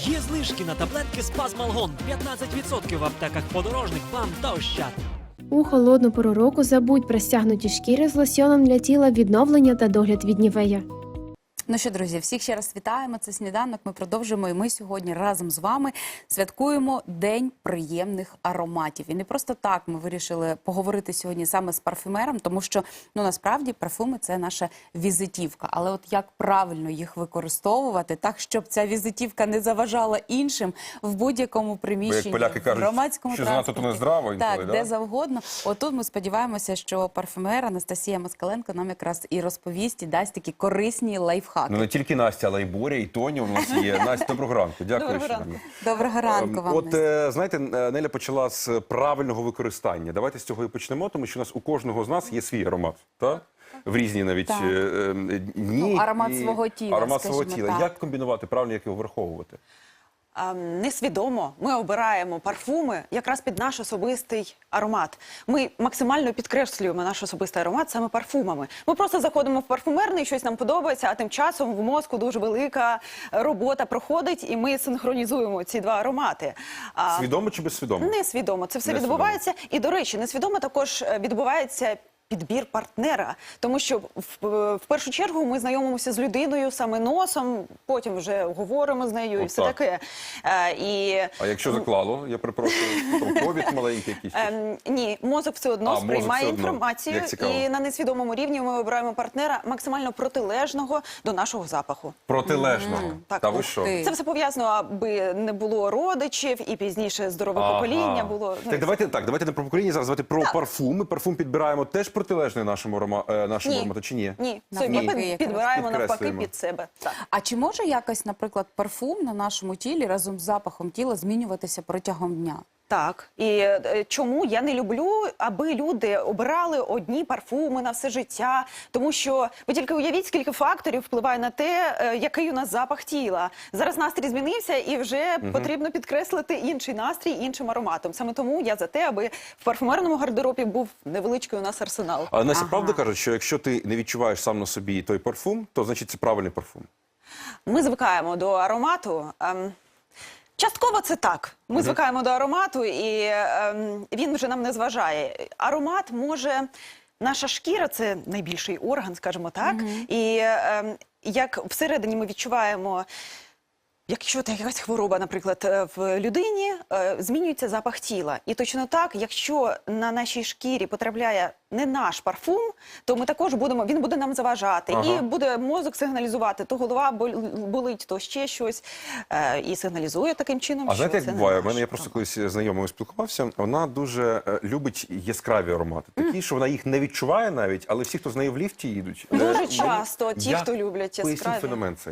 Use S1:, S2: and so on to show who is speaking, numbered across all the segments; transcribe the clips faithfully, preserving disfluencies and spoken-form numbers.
S1: Є знижки на таблетки Спазмалгон п'ятнадцять відсотків в аптеках Подорожник, БАМ та Ощад.
S2: У холодну пору року забудь про стягнуті шкіри з лосьоном для тіла, відновлення та догляд від Нівея.
S3: Ну що, друзі, всіх ще раз вітаємо. Це «Сніданок». Ми продовжуємо, і ми сьогодні разом з вами святкуємо День приємних ароматів. І не просто так ми вирішили поговорити сьогодні саме з парфюмером, тому що, ну, насправді, парфуми – це наша візитівка. Але от як правильно їх використовувати, так, щоб ця візитівка не заважала іншим в будь-якому приміщенні,
S4: поляки кажуть,
S3: в громадському
S4: що занадто
S3: транспорті.
S4: то нездраво інколи,
S3: Так,
S4: да?
S3: де завгодно. Отут ми сподіваємося, що парфюмер Анастасія Москаленко нам якраз і розповість, і дасть такі корисні лайфхаки.
S4: Ну не тільки Настя, але й Боря, і Тоня у нас є. Настя, доброго ранку. Дякую.
S3: Доброго
S4: що
S3: ранку.
S4: ви.
S3: Доброго ранку вам.
S4: От,
S3: Настя.
S4: е, знаєте, Неля почала з правильного використання. Давайте з цього і почнемо, тому що у нас у кожного з нас є свій аромат. Так? В різні навіть
S3: Так.
S4: е, е, дні.
S3: Ну, аромат
S4: і-
S3: свого тіла,
S4: Аромат свого
S3: скажімо
S4: тіла.
S3: так.
S4: Як комбінувати, правильно, як його враховувати?
S5: А, Несвідомо ми обираємо парфуми якраз під наш особистий аромат. Ми максимально підкреслюємо наш особистий аромат саме парфумами. Ми просто заходимо в парфумерний, щось нам подобається, а тим часом в мозку дуже велика робота проходить, і ми синхронізуємо ці два аромати. А,
S4: Свідомо чи безсвідомо?
S5: Несвідомо. Це все
S4: Несвідомо.
S5: відбувається. І, до речі, несвідомо також відбувається підбір партнера, тому що в, в першу чергу ми знайомимося з людиною саме носом, потім вже говоримо з нею і
S4: От
S5: все
S4: так.
S5: таке. Е, і,
S4: А якщо заклало, я перепрошую, там повід маленький якийсь?
S5: Ем, ні, мозок все одно
S4: А, мозок
S5: сприймає
S4: все одно.
S5: інформацію,
S4: Як цікаво.
S5: і на несвідомому рівні ми обираємо партнера максимально протилежного до нашого запаху.
S4: Протилежного.
S5: Так,
S4: Та ви
S5: ух
S4: що?
S3: ти.
S5: Це все пов'язано, аби не було родичів і пізніше здорове
S4: Ага.
S5: покоління було. ну,
S4: Так, давайте так, давайте не про покоління, зараз давайте про парфуми. Парфум підбираємо теж протилежний нашому арома, е, нашому
S5: Ні.
S4: аромату, чи ні?
S5: Ні,
S3: Навпаки,
S5: собі
S3: якраз.
S5: під- підбираємо навпаки
S4: Підкреслюємо.
S5: під себе. Так.
S3: А чи може якось, наприклад, парфум на нашому тілі разом з запахом тіла змінюватися протягом дня?
S5: Так, і е, чому я не люблю, аби люди обирали одні парфуми на все життя, тому що ви тільки уявіть, скільки факторів впливає на те, е, який у нас запах тіла. Зараз настрій змінився, і вже потрібно підкреслити інший настрій іншим ароматом. Саме тому я за те, аби в парфумерному гардеробі був невеличкий у нас арсенал.
S4: Але Настя,
S3: Ага.
S4: правда кажуть, що якщо ти не відчуваєш сам на собі той парфум, то значить це правильний парфум.
S5: Ми звикаємо до аромату. ем, Частково це так. Ми звикаємо до аромату, і ем, він вже нам не зважає. Аромат може... Наша шкіра – це найбільший орган, скажімо так. І ем, як всередині ми відчуваємо... Якщо це якась хвороба, наприклад, е, в людині, е, змінюється запах тіла. І точно так, якщо на нашій шкірі потрапляє не наш парфум, то ми також будемо, він буде нам заважати.
S4: Ага.
S5: І буде мозок сигналізувати, то голова бол- болить, то ще щось. Е, і сигналізує таким чином,
S4: А
S5: що
S4: знаєте, як
S5: це не
S4: буває? У
S5: наш
S4: мене я просто
S5: аромат.
S4: колись з знайомою спілкувався. Вона дуже е, любить яскраві аромати. Такі, що вона їх не відчуває навіть, але всі, хто з нею в ліфті їдуть. е,
S5: Дуже
S4: вони-
S5: часто ті,
S4: Як?
S5: хто люблять
S4: Поясніть
S5: яскраві.
S4: феномен цей.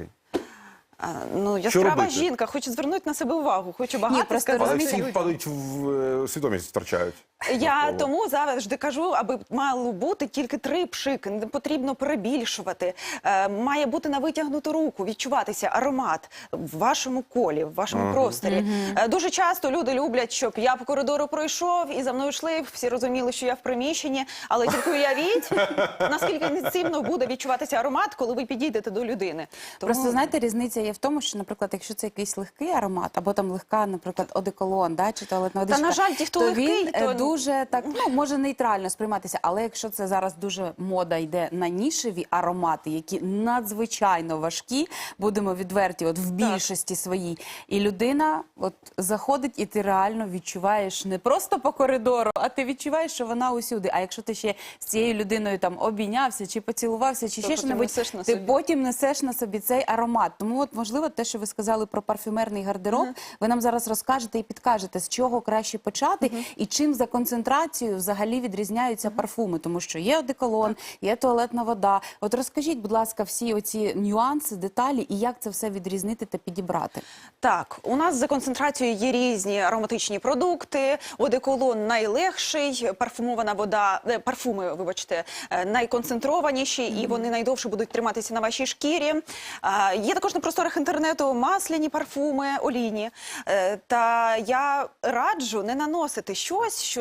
S5: А, ну, яскрава
S4: робити?
S5: жінка, хоче звернути на себе увагу, хоче багато
S3: просто
S5: сказати
S4: Але
S3: розумієте,
S4: всі
S5: людям.
S4: падають в е, свідомість, втрачають.
S5: Я
S4: Навколо.
S5: тому завжди кажу, аби мало бути тільки три пшики, не потрібно перебільшувати. Е, має бути на витягнуту руку, відчуватися аромат в вашому колі, в вашому просторі. Е, дуже часто люди люблять, щоб я по коридору пройшов і за мною йшли, всі розуміли, що я в приміщенні, але тільки уявіть, наскільки нецінно буде відчуватися аромат, коли ви підійдете до людини. Тому...
S3: Просто, знаєте, різниця є в тому, що, наприклад, якщо це якийсь легкий аромат, або там легка, наприклад, одеколон, да, чи туалетна
S5: Та,
S3: водичка,
S5: на жаль, ті, хто
S3: то
S5: легкий,
S3: він е,
S5: то-
S3: дуже так, ну, може нейтрально сприйматися. Але якщо це зараз дуже мода йде на нішеві аромати, які надзвичайно важкі, будемо відверті, от в більшості своїй, і людина от заходить, і ти реально відчуваєш не просто по коридору, а ти відчуваєш, що вона усюди. А якщо ти ще з цією людиною там обійнявся, чи поцілувався, чи
S5: То
S3: ще
S5: потім
S3: що-небудь,
S5: несеш на
S3: ти
S5: собі.
S3: потім несеш на собі цей аромат. Тому от, можливо, те, що ви сказали про парфюмерний гардероб, ви нам зараз розкажете і підкажете, з чого краще почати, і чим за концентрацією взагалі відрізняються парфуми. Тому що є одеколон, є туалетна вода. От розкажіть, будь ласка, всі оці нюанси, деталі, і як це все відрізнити та підібрати.
S5: Так, у нас за концентрацією є різні ароматичні продукти. Одеколон найлегший, парфумована вода, е, парфуми, вибачте, е, найконцентрованіші, і вони найдовше будуть триматися на вашій шкірі. А, є також на просторах інтернету масляні парфуми, олійні. Е, та я раджу не наносити щось, що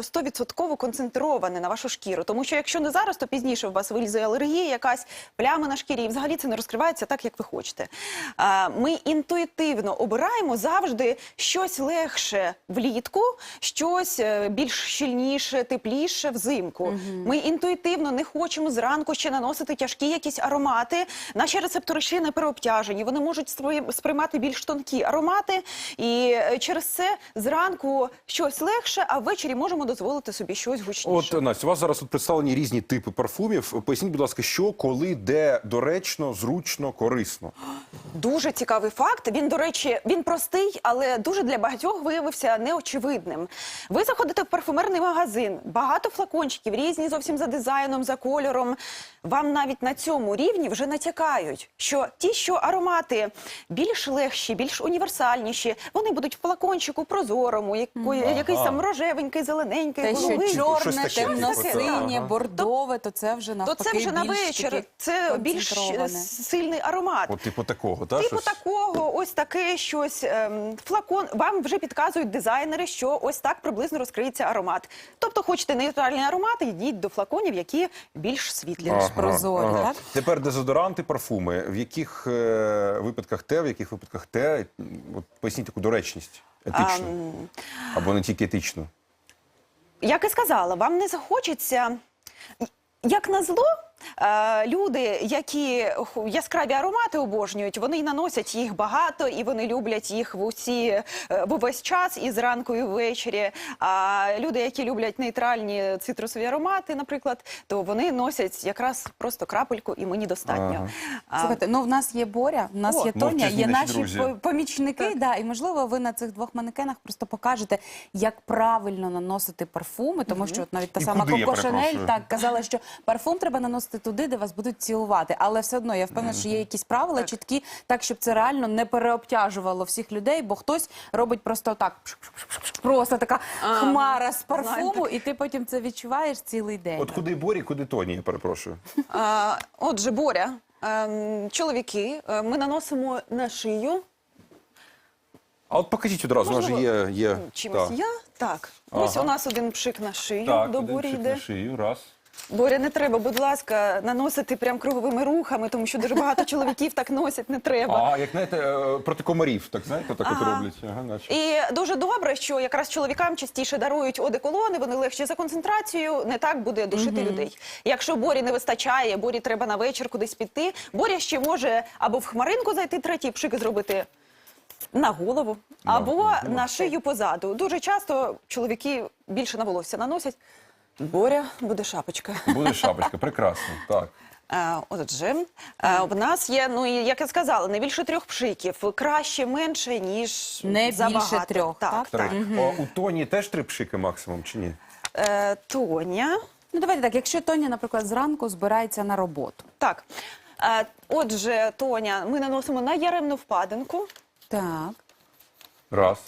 S5: сто відсотків концентроване на вашу шкіру. Тому що якщо не зараз, то пізніше у вас вилізе алергія, якась пляма на шкірі, і взагалі це не розкривається так, як ви хочете. А, Ми інтуїтивно обираємо завжди щось легше влітку, щось е, більш щільніше, тепліше взимку. Ми інтуїтивно не хочемо зранку ще наносити тяжкі якісь аромати. Наші рецептори ще не переобтяжені, вони можуть спри- сприймати більш тонкі аромати, і е, через це зранку щось легше, а ввечері можемо дозволити собі щось гучніше.
S4: От, Настя, у вас зараз тут представлені різні типи парфумів. Поясніть, будь ласка, що, коли, де доречно, зручно, корисно?
S5: Дуже цікавий факт. Він, до речі, він простий, але дуже для багатьох виявився неочевидним. Ви заходите в парфумерний магазин, багато флакончиків, різні зовсім за дизайном, за кольором. Вам навіть на цьому рівні вже натякають, що ті, що аромати більш легші, більш універсальніші, вони будуть в флакончику прозорому, якої,
S4: Ага.
S5: якийсь там рожевенький, зелененький,
S3: Те, що
S5: головий.
S4: Щось
S3: чорне,
S4: таке,
S3: темно-синє,
S4: ага.
S3: бордове, то це вже
S5: То
S3: навпаки
S5: це вже на
S3: більш
S5: вечір,
S3: таке
S5: це більш
S3: концентроване.
S5: сильний аромат.
S4: От типу такого, так?
S5: Типу такого, ось таке щось, ем, флакон, вам вже підказують дизайнери, що ось так приблизно розкриється аромат. Тобто хочете нейтральні аромати, йдіть до флаконів, які більш світлі.
S3: Ага. прозорі, так?
S4: Тепер дезодоранти, парфуми. В яких е, випадках те, в яких випадках те? От поясніть таку доречність, етичну. Або не тільки етичну.
S5: Як і сказала, вам не захочеться, як назло, е, люди, які ху- яскраві аромати обожнюють, вони й наносять їх багато, і вони люблять їх в усі, е, в увесь час, і зранку, і ввечері. А люди, які люблять нейтральні цитрусові аромати, наприклад, то вони носять якраз просто крапельку, і мені достатньо. А,
S3: Слухайте, ну в нас є Боря, в нас
S5: О,
S3: є Тоня,
S4: мовчазні
S3: є
S4: наші
S3: наші
S4: друзі.
S3: по- помічники, да, і можливо ви на цих двох манекенах просто покажете, як правильно наносити парфуми, тому що от навіть та
S4: І
S3: сама
S4: куди, я
S3: Коко Шанель
S4: перепрошую?
S3: так казала, що парфум треба наносити туди, де вас будуть цілувати. Але все одно я впевнена, що є якісь правила чіткі, так щоб це реально не переобтяжувало всіх людей, бо хтось робить просто так, просто така хмара з парфуму,
S5: знаю
S3: і ти потім це відчуваєш цілий день.
S4: От куди Борі, куди Тоні, я перепрошую.
S5: а, Отже, Боря, ем, чоловіки, е, ми наносимо на шию.
S4: А от покажіть одразу, у нас же є... є
S5: Чимось
S4: так.
S5: я? Так. Ось
S4: Ага.
S5: у нас один пшик на шию,
S4: Так,
S5: до
S4: один
S5: Борі
S4: пшик
S5: йде.
S4: на шию, раз.
S5: Боря, не треба, будь ласка, наносити прям круговими рухами, тому що дуже багато чоловіків так носять, не треба.
S4: А, як, знаєте, е, проти комарів, так, знаєте, так от
S5: Ага.
S4: роблять. Ага, наче.
S5: І дуже добре, що якраз чоловікам частіше дарують одеколони, вони легші за концентрацією, не так буде душити людей. Якщо Борі не вистачає, Борі треба на вечір кудись піти, Боря ще може або в хмаринку зайти, третій пшик зробити на голову, або на шию позаду. Дуже часто чоловіки більше на волосся наносять. Боря, буде шапочка.
S4: Буде шапочка, прекрасно, так.
S5: Е, Отже, е, в нас є, ну і як я сказала, не більше трьох пшиків. Краще менше, ніж
S3: Не
S5: забагато.
S3: більше трьох, так?
S4: Три. О, у Тоні теж три пшики максимум, чи ні?
S5: Е, Тоня.
S3: Ну давайте так, якщо Тоня, наприклад, зранку збирається на роботу.
S5: Так. Е, Отже, Тоня, ми наносимо на яремну впадинку.
S3: Так.
S4: Раз.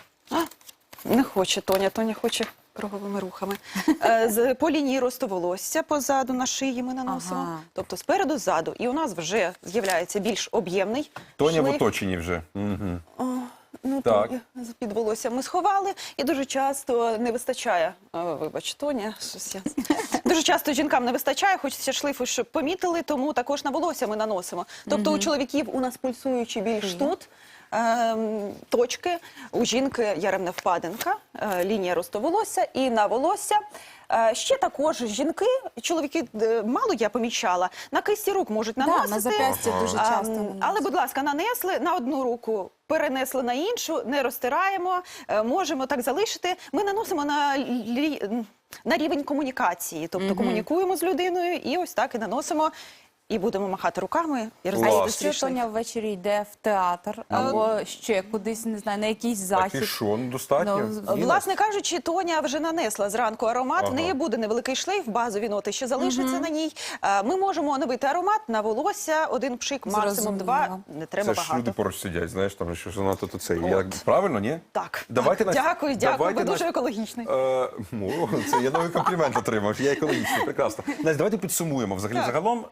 S5: Не хоче Тоня, Тоня хоче круговими рухами. Е, з- По лінії росту волосся позаду на шиї ми наносимо.
S3: Ага.
S5: Тобто спереду, ззаду. І у нас вже з'являється більш об'ємний
S4: Тоня в
S5: шлейф.
S4: оточенні вже. Угу.
S5: Ну,
S4: Так.
S5: так. Під волосся ми сховали, і дуже часто не вистачає, о, вибач, Тоня, щось я... Дуже часто жінкам не вистачає, хочеться шлейфу, щоб помітили, тому також на волосся ми наносимо. Тобто у чоловіків у нас пульсуючі більш тут ем, точки, у жінки яремна впадинка, е, лінія росту волосся, і на волосся. Е, Ще також жінки, чоловіки, е, мало я помічала, на кисті рук можуть
S3: Да,
S5: наносити.
S3: на зап'ясті дуже
S5: А,
S3: часто
S5: м,
S3: наносять.
S5: Але, будь ласка, нанесли на одну руку, перенесли на іншу, не розтираємо, е, можемо так залишити. Ми наносимо на, лі- на рівень комунікації, тобто комунікуємо з людиною і ось так і наносимо. І будемо махати руками і
S3: А
S5: розводити
S3: якщо
S5: свій шлейф.
S3: Тоня ввечері йде в театр або ще кудись, не знаю, на якийсь
S4: Так
S3: захід.
S4: і що, ну достатньо?
S3: Ну,
S4: Ні,
S5: Власне кажучи, Тоня вже нанесла зранку аромат,
S4: Ага.
S5: в неї буде невеликий шлейф, базові ноти ще залишаться на ній. Е, Ми можемо оновити аромат на волосся, один пшик, максимум
S3: Зрозуміло.
S5: два, не треба
S4: Це ж
S5: багато.
S4: люди поруч сидять, знаєш, там що занадто то це. Я,
S5: От.
S4: правильно, ні?
S5: Так,
S4: Давайте
S5: так.
S4: Настя,
S5: дякую, дякую,
S4: давайте
S5: ви дуже
S4: Настя-
S5: екологічний.
S4: Е, ну, це я новий комплімент отримав. Я екологічний, прекрасно. Настя, давайте підсумуємо. Взагалі,
S5: Так.
S4: загалом, е,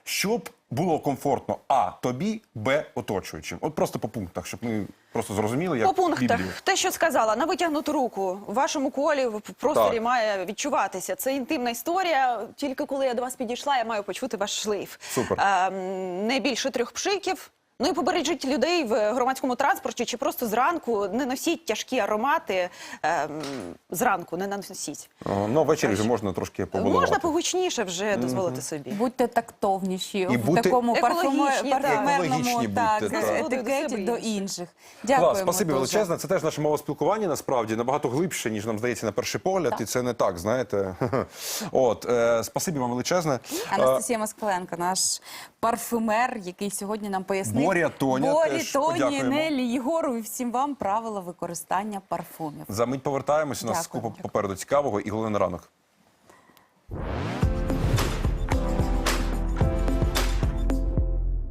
S4: щоб було комфортно а тобі, б оточуючим. От просто по пунктах, щоб ми просто зрозуміли, як
S5: По пунктах,
S4: Біблію.
S5: те, що сказала, на витягнуту руку в вашому колі в просторі
S4: Так.
S5: має відчуватися. Це інтимна історія. Тільки коли я до вас підійшла, я маю почути ваш шлейф.
S4: Супер.
S5: Ем, не більше трьох пшиків. Ну і побережіть людей в громадському транспорті чи просто зранку. Не носіть тяжкі аромати ем, зранку, не наносіть.
S4: Ага, ну, ввечері вже можна трошки побалувати.
S5: Можна погучніше вже дозволити собі.
S3: Будьте тактовніші
S4: І
S3: в
S4: бути-
S3: такому парфуме-
S5: Екологічні, так.
S3: парфумерному
S4: Екологічні
S3: так,
S4: будьте, так.
S3: етикеті
S5: До
S3: до
S5: себе
S3: інших. Дякуємо
S4: Клас, спасибі
S3: дуже.
S4: величезне. Це теж наше мовоспілкування, насправді, набагато глибше, ніж нам здається на перший погляд. І це не так, знаєте. От, е, спасибі вам величезне.
S3: Анастасія Москаленко, наш парфюмер, який сьогодні нам пояснив.
S4: Боря, Тоня
S3: Борі,
S4: теж
S3: Тоні,
S4: подякуємо.
S3: Нелі, Єгору і всім вам правила використання парфумів.
S4: За мить повертаємось, у нас
S3: Дякую.
S4: купа попереду цікавого і головне на ранок.